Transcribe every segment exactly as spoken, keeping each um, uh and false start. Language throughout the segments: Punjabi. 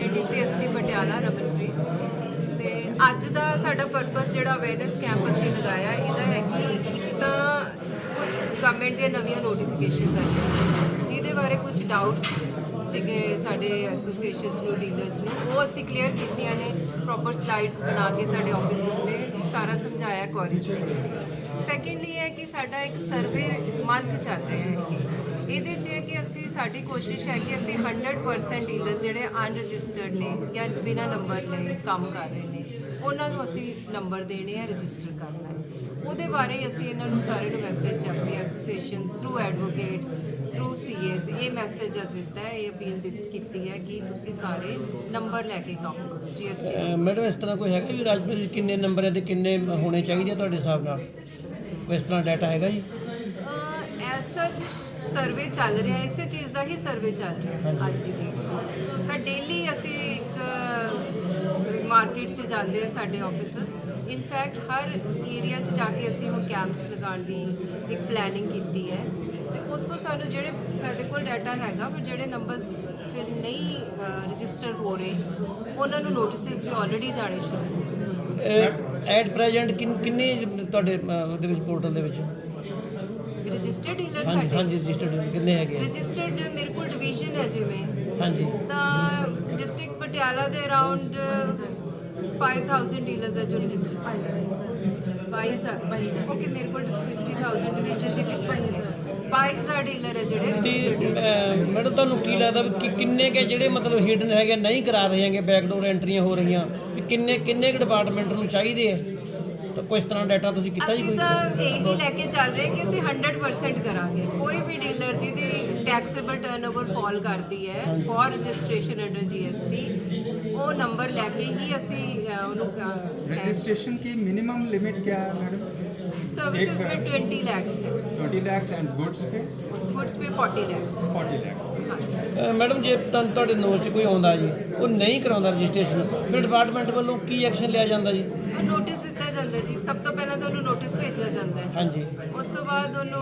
D C S T Patiala Ramanpreet ਤੇ ਅੱਜ ਦਾ ਸਾਡਾ ਪਰਪਸ ਜਿਹੜਾ ਅਵੇਅਰਨੈਸ ਕੈਂਪ ਅਸੀਂ ਲਗਾਇਆ ਇਹਦਾ ਹੈ ਕਿ ਇੱਕ ਤਾਂ ਕੁਝ ਗਵਰਨਮੈਂਟ ਦੀਆਂ ਨਵੀਆਂ ਨੋਟੀਫਿਕੇਸ਼ਨਸ ਆਈਆਂ ਜਿਹਦੇ ਬਾਰੇ ਕੁਝ ਡਾਊਟਸ ਸੀਗੇ ਸਾਡੇ ਐਸੋਸੀਏਸ਼ਨਸ ਨੂੰ ਡੀਲਰਸ ਨੂੰ ਉਹ ਅਸੀਂ ਕਲੀਅਰ ਕੀਤੀਆਂ ਨੇ ਪ੍ਰੋਪਰ ਸਲਾਈਡਸ ਬਣਾ ਕੇ ਸਾਡੇ ਆਫਿਸਸ ਨੇ ਸਾਰਾ ਸਮਝਾਇਆ ਕਾਲਜ ਨੇ। ਸੈਕੰਡਲੀ ਹੈ ਕਿ ਸਾਡਾ ਇੱਕ ਸਰਵੇ ਮੰਥ ਚੱਲ ਰਿਹਾ ਹੈ ਇਹਦੇ 'ਚ ਹੈ ਕਿ ਅਸੀਂ ਸਾਡੀ ਕੋਸ਼ਿਸ਼ ਹੈ ਕਿ ਅਸੀਂ ਹੰਡਰਡ ਪਰਸੈਂਟ ਡੀਲਰਸ ਜਿਹੜੇ ਅਨਰਜਿਸਟਰਡ ਨੇ ਜਾਂ ਬਿਨਾਂ ਨੰਬਰ ਲਏ ਕੰਮ ਕਰ ਰਹੇ ਨੇ ਉਹਨਾਂ ਨੂੰ ਅਸੀਂ ਨੰਬਰ ਦੇਣੇ ਆ ਰਜਿਸਟਰ ਕਰਨਾ ਹੈ। ਉਹਦੇ ਬਾਰੇ ਅਸੀਂ ਇਹਨਾਂ ਨੂੰ ਸਾਰਿਆਂ ਨੂੰ ਮੈਸੇਜ ਆਪਣੀ ਐਸੋਸੀਏਸ਼ਨਸ ਥਰੂ ਐਡਵੋਕੇਟਸ ਥਰੂ ਸੀ ਏਸ ਇਹ ਮੈਸੇਜ ਅੱਜ ਦਿੱਤਾ ਹੈ ਇਹ ਅਪੀਲ ਕੀਤੀ ਹੈ ਕਿ ਤੁਸੀਂ ਸਾਰੇ ਨੰਬਰ ਲੈ ਕੇ ਕੰਮ ਕਰੋ ਜੀ ਐਸ ਟੀ। ਮੈਡਮ ਇਸ ਤਰ੍ਹਾਂ ਕੋਈ ਹੈਗਾ ਵੀ ਰਾਜਪੁਰ ਵਿੱਚ ਕਿੰਨੇ ਨੰਬਰ ਹੈ ਤੇ ਕਿੰਨੇ ਹੋਣੇ ਚਾਹੀਦੇ ਤੁਹਾਡੇ ਹਿਸਾਬ ਨਾਲ ਕੋਈ ਇਸ ਤਰ੍ਹਾਂ ਡਾਟਾ ਹੈਗਾ ਜੀ? ਐਸ ਸੱਚ ਸਰਵੇ ਚੱਲ ਰਿਹਾ ਇਸੇ ਚੀਜ਼ ਦਾ ਹੀ ਸਰਵੇ ਚੱਲ ਰਿਹਾ ਅੱਜ ਦੀ ਡੇਟ 'ਚ ਤਾਂ ਡੇਲੀ ਅਸੀਂ ਇੱਕ ਮਾਰਕੀਟ 'ਚ ਜਾਂਦੇ ਆ ਸਾਡੇ ਆਫਿਸਸ ਇਨਫੈਕਟ ਹਰ ਏਰੀਆ 'ਚ ਜਾ ਕੇ ਅਸੀਂ ਹੁਣ ਕੈਂਪਸ ਲਗਾਉਣ ਦੀ ਇੱਕ ਪਲੈਨਿੰਗ ਕੀਤੀ ਹੈ ਤੇ ਉੱਥੋਂ ਸਾਨੂੰ ਜਿਹੜੇ ਸਾਡੇ ਕੋਲ ਡਾਟਾ ਹੈਗਾ ਪਰ ਜਿਹੜੇ ਨੰਬਰਸ 'ਚ ਨਹੀਂ ਰਜਿਸਟਰ ਹੋ ਰਹੇ ਉਹਨਾਂ ਨੂੰ ਨੋਟਿਸਿਸ ਵੀ ਆਲਰੇਡੀ ਜਾਣੇ ਸ਼ੁਰੂ ਹੋ ਗਏ। ਐਟ ਪ੍ਰੈਜ਼ੈਂਟ ਕਿੰਨੇ ਤੁਹਾਡੇ ਉਹਦੇ ਵਿੱਚ ਪੋਰਟਲ ਦੇ ਵਿੱਚ ਰਜਿਸਟਰਡ ਡੀਲਰ ਹਾਂਜੀ ਸਾਡੇ ਹਾਂਜੀ ਰਜਿਸਟਰਡ ਕਿੰਨੇ ਹੈਗੇ? ਰਜਿਸਟਰਡ ਮੇਰੇ ਕੋਲ ਡਿਵੀਜ਼ਨ ਹੈ ਜਿਵੇਂ ਹਾਂਜੀ ਤਾਂ ਡਿਸਟ੍ਰਿਕਟ ਪਟਿਆਲਾ ਦੇ ਅਰਾਊਂਡ five thousand ਡੀਲਰਸ ਹੈ ਜੋ ਰਜਿਸਟਰਡ ਬਾਈਸ ਓਕੇ ਮੇਰੇ ਕੋਲ fifty thousand ਡਿਵੀਜ਼ਨ ਦੀ ਫਿਗਰਸ ਨੇ ਬਾਈਸ ਡੀਲਰ ਹੈ ਜਿਹੜੇ ਰਜਿਸਟਰਡ ਡੀਲਰ। ਮੈਡਮ ਤੁਹਾਨੂੰ ਕੀ ਲੱਗਦਾ ਵੀ ਕਿ ਕਿੰਨੇ ਕੇ ਜਿਹੜੇ ਮਤਲਬ ਹਿਡਨ ਹੈਗੇ ਨਹੀਂ ਕਰਾ ਰਹੇ ਹੈਗੇ ਬੈਕਡੋਰ ਐਂਟਰੀਆਂ ਹੋ ਰਹੀਆਂ ਵੀ ਕਿੰਨੇ ਕਿੰਨੇ ਕੁ ਡਿਪਾਰਟਮੈਂਟ ਨੂੰ ਚਾਹੀਦੇ ਹੈ ਤਾਂ ਕੋਈ ਇਸ ਤਰ੍ਹਾਂ ਡਾਟਾ ਤੁਸੀਂ ਕੀਤਾ ਜੀ ਅਸੀਂ ਕੋਈ? ਤਾਂ ਇਹੀ ਲੈ ਕੇ ਚੱਲ ਰਹੇ ਕਿ ਅਸੀਂ ਹੰਡਰਡ ਪਰਸੈਂਟ ਕਰਾਂਗੇ ਕੋਈ ਵੀ ਡੀਲਰ ਜਿਹਦੀ ਟੈਕਸੇਬਲ ਟਰਨਓਵਰ ਫਾਲ ਕਰਦੀ ਹੈ for registration under G S T ਉਹ ਨੰਬਰ ਲੈ ਕੇ ਹੀ ਅਸੀਂ ਅ, ਉਹਨੂੰ रजिस्ट्रेशन की मिनिमम लिमिट क्या है मैडम? सर्विसेज में ट्वेंटी लैक्स है ट्वेंटी लैक्स एंड गुड्स पे गुड्स पे फोर्टी लैक्स फोर्टी लैक्स। हाँ जी। ਅ, ਮੈਡਮ ਜੇ ਤੁਹਾਨੂੰ ਤੁਹਾਡੇ ਨੋਟ 'ਚ ਕੋਈ ਆਉਂਦਾ ਜੀ ਉਹ ਨਹੀਂ ਕਰਾਉਂਦਾ ਰਜਿਸਟ੍ਰੇਸ਼ਨ ਫਿਰ ਡਿਪਾਰਟਮੈਂਟ ਵੱਲੋਂ ਕੀ ਐਕਸ਼ਨ ਲਿਆ ਜਾਂਦਾ ਜੀ? ਉਹ ਨੋਟਿਸ ਦਿੱਤਾ ਜਾਂਦਾ ਜੀ ਸਭ ਤੋਂ ਪਹਿਲਾਂ ਤਾਂ ਉਹਨੂੰ ਨੋਟਿਸ ਭੇਜਿਆ ਜਾਂਦਾ ਹੈ ਹਾਂਜੀ ਉਸ ਤੋਂ ਬਾਅਦ ਉਹਨੂੰ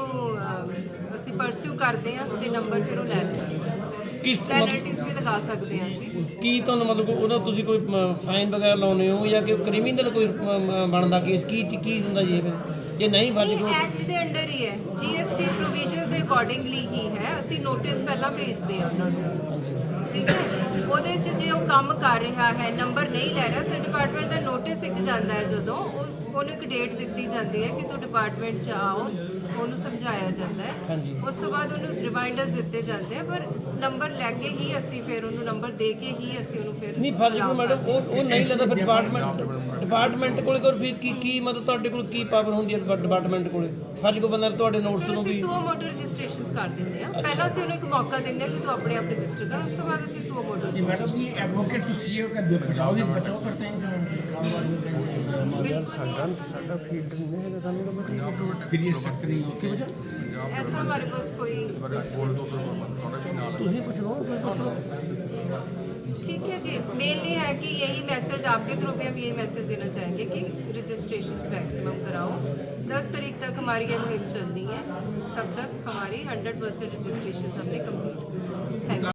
ਅ, ਅਸੀਂ ਪਰਸਿਊ ਕਰਦੇ ਹਾਂ ਤੇ ਨੰਬਰ ਫਿਰ ਉਹ ਲੈ ਲੈਂਦੇ ਹਾਂ ਕਿਸ ਮਤਲਬ ਪੈਨਲਟੀਜ਼ ਵੀ ਲਗਾ ਸਕਦੇ ਹਾਂ ਅਸੀਂ। ਕੀ ਤੁਹਾਨੂੰ ਮਤਲਬ ਉਹਦਾ ਤੁਸੀਂ ਕੋਈ ਫਾਈਨ ਵਗੈਰਾ ਲਾਉਂਦੇ ਹੋ ਜਾਂ ਕਿ ਕ੍ਰਿਮੀਨਲ ਕੋਈ ਮ, ਮ, ਬਣਦਾ ਕੇਸ ਕੀ ਕੀ ਹੁੰਦਾ ਜੀ ਇਹ ਫਿਰ ਜੇ ਨਹੀਂ ਫਰਜ਼ ਨਹੀਂ ਕੋਈ ਐਕਟ ਦੇ ਅੰਡਰ ਹੀ ਹੈ ਜੀ ਐਸ ਟੀ ਪ੍ਰੋਵੀਜ਼ਨਸ ਦੇ ਅਕੋਰਡਿੰਗਲੀ ਹੀ ਹੈ ਅਸੀਂ ਨੋਟਿਸ ਪਹਿਲਾਂ ਭੇਜਦੇ ਹਾਂ ਉਹਨਾਂ ਨੂੰ ਠੀਕ ਹੈ ਉਹਦੇ 'ਚ ਜੇ ਉਹ ਕੰਮ ਕਰ ਰਿਹਾ ਹੈ ਨੰਬਰ ਨਹੀਂ ਲੈ ਰਿਹਾ ਸੇ ਡਿਪਾਰਟਮੈਂਟ ਦਾ ਨੋਟਿਸ ਇੱਕ ਜਾਂਦਾ ਹੈ ਜਦੋਂ ਉਹ ਉਹਨੂੰ ਇੱਕ ਡੇਟ ਦਿੱਤੀ ਜਾਂਦੀ ਹੈ ਕਿ ਤੂੰ ਡਿਪਾਰਟਮੈਂਟ 'ਚ ਆਓ ਉਹਨੂੰ ਸਮਝਾਇਆ ਜਾਂਦਾ ਹੈ ਹਾਂਜੀ ਉਸ ਤੋਂ ਬਾਅਦ ਉਹਨੂੰ ਰਿਮਾਈਂਡਰਸ ਦਿੱਤੇ ਜਾਂਦੇ ਆ ਪਰ ਨੰਬਰ ਲੈ ਕੇ ਹੀ ਅਸੀਂ ਫਿਰ ਉਹਨੂੰ ਨੰਬਰ ਦੇ ਕੇ ਹੀ ਅਸੀਂ ਉਹਨੂੰ ਫਿਰ ਨਹੀਂ ਫਰਜ਼ ਕੋਈ ਮੈਡਮ ਉਹ ਉਹ ਨਹੀਂ ਲੈਂਦਾ ਫਿਰ ਡਿਪਾਰਟਮੈਂਟ ਡਿਪਾਰਟਮੈਂਟ ਕੋਲੇ ਕੋਲ ਫਿਰ ਕੀ ਕੀ ਮਤਲਬ ਤੁਹਾਡੇ ਕੋਲ ਕੀ ਪਾਵਰ ਹੁੰਦੀ ਹੈ ਡਿਪਾਰਟਮੈਂਟ ਕੋਲੇ ਫਰਜ਼ ਕੋਈ ਬੰਦਾ ਤੁਹਾਡੇ ਨੋਟਸ ਫਿਰ ਨੂੰ ਅਸੀਂ ਵੀ ਸੂਆ ਮੋਟਰ ਰਜਿਸਟ੍ਰੇਸ਼ਨਸ ਕਰ ਦਿੰਦੇ ਆ ਪਹਿਲਾਂ ਅਸੀਂ ਉਹਨੂੰ ਇੱਕ ਮੌਕਾ ਦਿੰਦੇ ਆ ਕਿ ਤੂੰ ਆਪਣੇ ਆਪ ਰਜਿਸਟਰ ਕਰ ਉਸ ਤੋਂ ਬਾਅਦ ਅਸੀਂ ਸੂਆ ਮੋਟਰ मैडम ये एडवोकेट तो सी का बचाव भी बचाव करते हैं ਸਾਡਾ ਫੀਡ ਨਹੀਂ ਹੈਗਾ ਸਾਨੂੰ फिर ये सख्त नहीं होती ऐसा हमारे पास कोई ਤੁਸੀਂ ਪੁੱਛ ਲਓ ਤੁਸੀਂ ਪੁੱਛ ਲਓ ठीक है जी मेनली है कि यही मैसेज आपके थ्रू भी हम यही मैसेज देना चाहेंगे कि रजिस्ट्रेशन मैक्सिमम कराओ दस तारीख तक हमारी ये मुहिम चलनी है तब तक हमारी हंड्रेड परसेंट रजिस्ट्रेशन हमने कम्प्लीट थैंक यू।